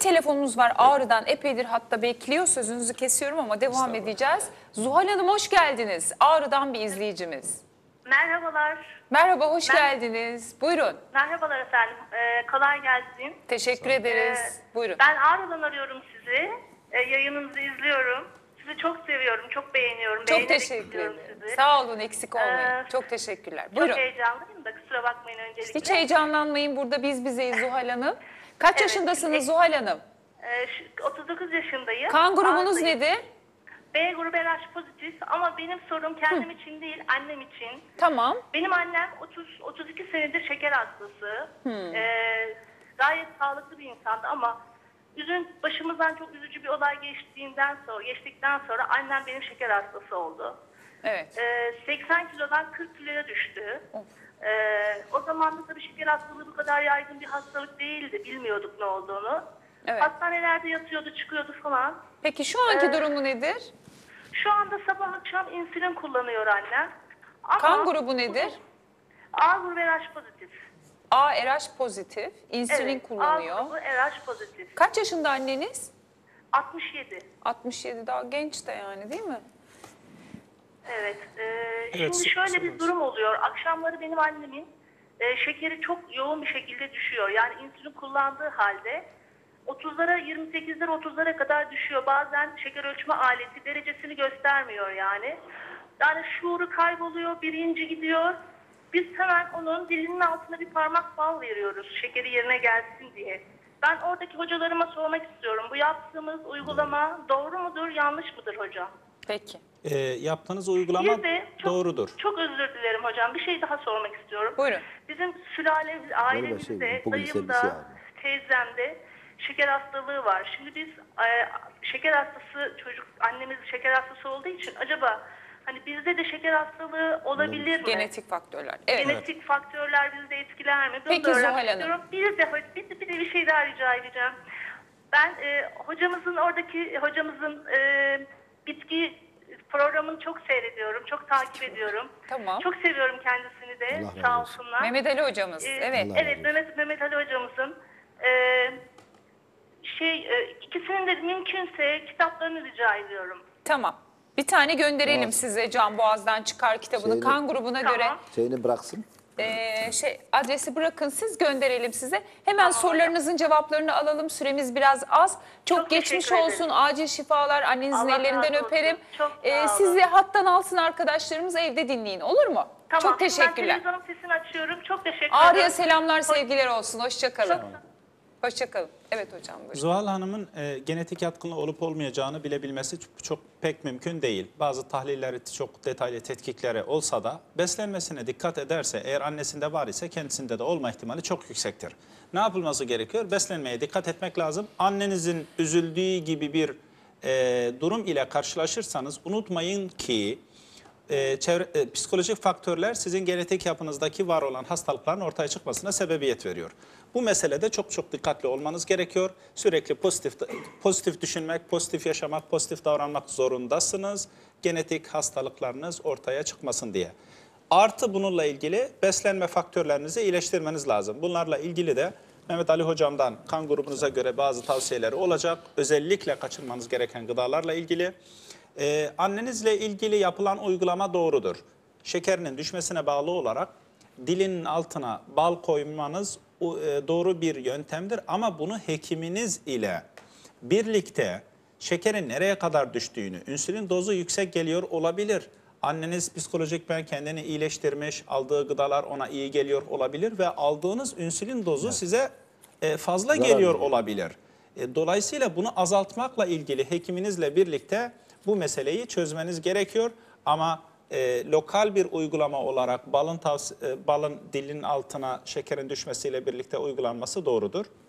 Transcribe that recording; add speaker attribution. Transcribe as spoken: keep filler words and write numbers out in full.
Speaker 1: telefonumuz var Ağrı'dan, epeydir hatta bekliyor, sözünüzü kesiyorum ama devam edeceğiz. Zuhal Hanım hoş geldiniz. Ağrı'dan bir izleyicimiz.
Speaker 2: Merhabalar.
Speaker 1: Merhaba, hoş
Speaker 2: Mer
Speaker 1: geldiniz. Buyurun.
Speaker 2: Merhabalar efendim. Ee, kolay gelsin.
Speaker 1: Teşekkür ederiz.
Speaker 2: Ee,
Speaker 1: Buyurun.
Speaker 2: Ben Ağrı'dan arıyorum sizi. Ee, yayınınızı izliyorum. Sizi çok seviyorum, çok beğeniyorum.
Speaker 1: Çok teşekkür ederim. Sizi. Sağ olun, eksik olmayın. Ee, çok teşekkürler. Buyurun.
Speaker 2: Çok heyecanlıyım da kusura bakmayın öncelikle.
Speaker 1: Hiç heyecanlanmayın, burada biz bizeyiz Zuhal Hanım. Kaç evet, yaşındasınız şimdi, Zuhal Hanım?
Speaker 2: E, otuz dokuz yaşındayım.
Speaker 1: Kan grubunuz
Speaker 2: Ağrı'dayım.
Speaker 1: nedir?
Speaker 2: B grubu R H pozitif ama benim sorum kendim Hı. için değil, annem için.
Speaker 1: Tamam.
Speaker 2: Benim annem otuz otuz iki senedir şeker hastası. Ee, gayet sağlıklı bir insandı ama üzün başımızdan çok üzücü bir olay geçtiğinden sonra, geçtikten sonra annem benim şeker hastası oldu.
Speaker 1: Evet.
Speaker 2: Ee, seksen kilodan kırk kiloya düştü. Ee, o zaman da tabii şeker hastalığı bu kadar yaygın bir hastalık değildi. Bilmiyorduk ne olduğunu. Evet. Hastanelerde yatıyordu, çıkıyordu falan.
Speaker 1: Peki şu anki ee, durumu nedir?
Speaker 2: Şu anda sabah akşam insülin kullanıyor annem. Ama
Speaker 1: kan grubu nedir?
Speaker 2: A grubu R H pozitif.
Speaker 1: A R H pozitif. İnsülin evet, kullanıyor.
Speaker 2: A grubu R H pozitif.
Speaker 1: Kaç yaşında anneniz?
Speaker 2: altmış yedi.
Speaker 1: altmış yedi, daha genç de yani, değil mi?
Speaker 2: Evet. E, evet şimdi şöyle bir durum oluyor. Akşamları benim annemin e, şekeri çok yoğun bir şekilde düşüyor. Yani insülin kullandığı halde otuzlara, yirmi sekizlere, otuzlara kadar düşüyor. Bazen şeker ölçme aleti derecesini göstermiyor yani. Yani şuuru kayboluyor, birinci gidiyor. Biz hemen onun dilinin altına bir parmak bal veriyoruz şekeri yerine gelsin diye. Ben oradaki hocalarıma sormak istiyorum. Bu yaptığımız uygulama doğru mudur, yanlış mıdır hocam?
Speaker 1: Peki.
Speaker 3: E, yaptığınız uygulama çok, doğrudur.
Speaker 2: Çok özür dilerim hocam. Bir şey daha sormak istiyorum.
Speaker 1: Buyurun.
Speaker 2: Bizim sülalemiz, ailemizde, dayımda, teyzemde şeker hastalığı var. Şimdi biz e, şeker hastası çocuk, annemiz şeker hastası olduğu için acaba hani bizde de şeker hastalığı olabilir mi?
Speaker 1: Genetik faktörler. Evet.
Speaker 2: Genetik evet. faktörler bizde etkiler mi? Bunu
Speaker 1: Peki Zuhal Hanım.
Speaker 2: Bir de, bir, de, bir de bir şey daha rica edeceğim. Ben e, hocamızın oradaki hocamızın e, bitki programını çok seyrediyorum, çok takip ediyorum. Tamam. Çok seviyorum kendisini de. Allah sağ olsunlar.
Speaker 1: Mehmet Ali hocamız. Ee, evet.
Speaker 2: Evet, Mehmet Mehmet Ali hocamızın e, şey e, ikisinin de mümkünse kitaplarını rica ediyorum.
Speaker 1: Tamam. Bir tane gönderelim tamam. size. Can Boğaz'dan çıkar kitabını şeyini, kan grubuna tamam. göre.
Speaker 4: Şeyini bıraksın.
Speaker 1: Ee, şey adresi bırakın, siz gönderelim size. Hemen tamam. sorularınızın cevaplarını alalım. Süremiz biraz az. Çok, çok geçmiş olsun. Acil şifalar. Annenizin Allah ellerinden öperim. Ee, sizi hattan alsın arkadaşlarımız, evde dinleyin. Olur mu?
Speaker 2: Tamam.
Speaker 1: Çok teşekkürler.
Speaker 2: Ben televizyonun sesini açıyorum. Çok teşekkür ederim.
Speaker 1: Ağrı'ya selamlar, sevgiler olsun. Hoşçakalın. Hoşçakalın. Evet hocam. Buyurun.
Speaker 3: Zuhal Hanım'ın e, genetik yatkınlığı olup olmayacağını bilebilmesi çok, çok pek mümkün değil. Bazı tahlilleri, çok detaylı tetkikleri olsa da beslenmesine dikkat ederse, eğer annesinde var ise kendisinde de olma ihtimali çok yüksektir. Ne yapılması gerekiyor? Beslenmeye dikkat etmek lazım. Annenizin üzüldüğü gibi bir e, durum ile karşılaşırsanız unutmayın ki e, çevre, e, psikolojik faktörler sizin genetik yapınızdaki var olan hastalıkların ortaya çıkmasına sebebiyet veriyor. Bu meselede çok çok dikkatli olmanız gerekiyor. Sürekli pozitif pozitif düşünmek, pozitif yaşamak, pozitif davranmak zorundasınız. Genetik hastalıklarınız ortaya çıkmasın diye. Artı bununla ilgili beslenme faktörlerinizi iyileştirmeniz lazım. Bunlarla ilgili de Mehmet Ali hocamdan kan grubunuza göre bazı tavsiyeleri olacak. Özellikle kaçırmanız gereken gıdalarla ilgili. Ee, annenizle ilgili yapılan uygulama doğrudur. Şekerinin düşmesine bağlı olarak dilinin altına bal koymanız doğru bir yöntemdir. Ama bunu hekiminiz ile birlikte şekerin nereye kadar düştüğünü, insülin dozu yüksek geliyor olabilir. Anneniz psikolojik ben kendini iyileştirmiş, aldığı gıdalar ona iyi geliyor olabilir ve aldığınız insülin dozu evet. size fazla Zarar geliyor mi? olabilir. Dolayısıyla bunu azaltmakla ilgili hekiminizle birlikte bu meseleyi çözmeniz gerekiyor. Ama e, lokal bir uygulama olarak balın, e, balın dilinin altına şekerin düşmesiyle birlikte uygulanması doğrudur.